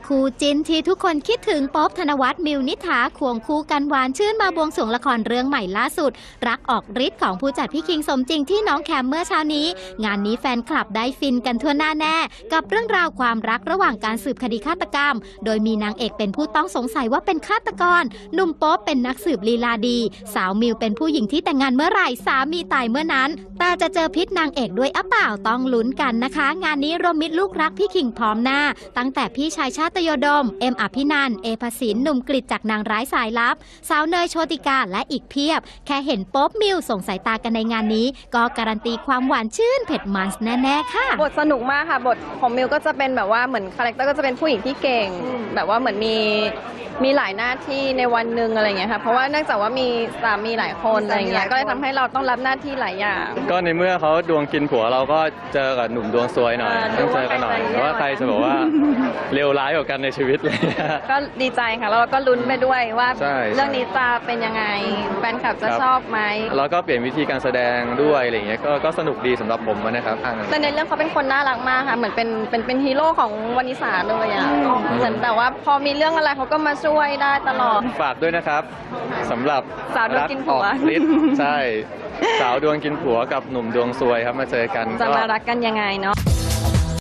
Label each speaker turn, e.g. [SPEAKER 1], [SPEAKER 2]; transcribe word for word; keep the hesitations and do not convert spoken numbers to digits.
[SPEAKER 1] คู่จินที่ทุกคนคิดถึงป๊อบธนวัฒน์มิวนิษฐาควงคู่กันหวานชื่นมาบวงสรวงละครเรื่องใหม่ล่าสุดรักออกฤทธิ์ของผู้จัดพี่คิงสมจริงที่น้องแคมเมื่อเช้านี้งานนี้แฟนคลับได้ฟินกันทั่วหน้าแน่กับเรื่องราวความรักระหว่างการสืบคดีฆาตกรรมโดยมีนางเอกเป็นผู้ต้องสงสัยว่าเป็นฆาตกรหนุ่มป๊อบเป็นนักสืบลีลาดีสาวมิวเป็นผู้หญิงที่แต่งงานเมื่อไหร่สามีตายเมื่อนั้นแต่จะเจอพิษนางเอกด้วยอ่ะเปล่าต้องลุ้นกันนะคะงานนี้รวมมิตรลูกรักพี่คิงพร้อมหน้าตั้งแต่พี่ชายชาตยดมเอ็มอภินันท์เอภสินหนุ่มกฤษจากนางร้ายสายลับสาวเนยโชติกาและอีกเพียบแค่เห็นโป๊บมิวส่งสายตากันในงานนี้ก็การันตีความหวานชื่นเผ็ดมันแน่ๆค่ะ
[SPEAKER 2] บทสนุกมากค่ะบทของมิวก็จะเป็นแบบว่าเหมือนคาแรคเตอร์ก็จะเป็นผู้หญิงที่เก่งแบบว่าเหมือนมีมีหลายหน้าที่ในวันหนึ่งอะไรเงี้ยค่ะเพราะว่าเนื่องจากว่ามีสามีหลายคนอะไรเงี้ยก็เลยทำให้เราต้องรับหน้าที่หลายอย่าง
[SPEAKER 3] ก็ในเมื่อเขาดวงกินผัวเราก็เจอกับหนุ่มดวงซวยหน่อยต้องเจอกันหน่อยว่าใครจะบอกว่าเลวร้ายกว่ากันในชีวิตเลย
[SPEAKER 2] ก็ดีใจค่ะแล้วเราก็ลุ้นไปด้วยว่าเรื่องนี้จะเป็นยังไงแฟนคลับจะชอบไหม
[SPEAKER 3] แล้วก็เปลี่ยนวิธีการแสดงด้วยอะไรเงี้ยก็ก็สนุกดีสำหรับผมนะครับ
[SPEAKER 2] แต่ในเรื่องเขาเป็นคนน่ารักมากค่ะเหมือนเป็นเป็นเป็นฮีโร่ของวนิสาเลยอ่ะเหมือนแต่ว่าพอมีเรื่องอะไรเขาก็มาช่วยได้ตลอด
[SPEAKER 3] ฝากด้วยนะครับสำหรับ
[SPEAKER 2] สาวดวงกินผัว
[SPEAKER 3] ใช่สาวดวงกินผัวกับหนุ่มดวงซวยครับมาเจอกัน
[SPEAKER 2] จะมารักกันยังไงเนาะ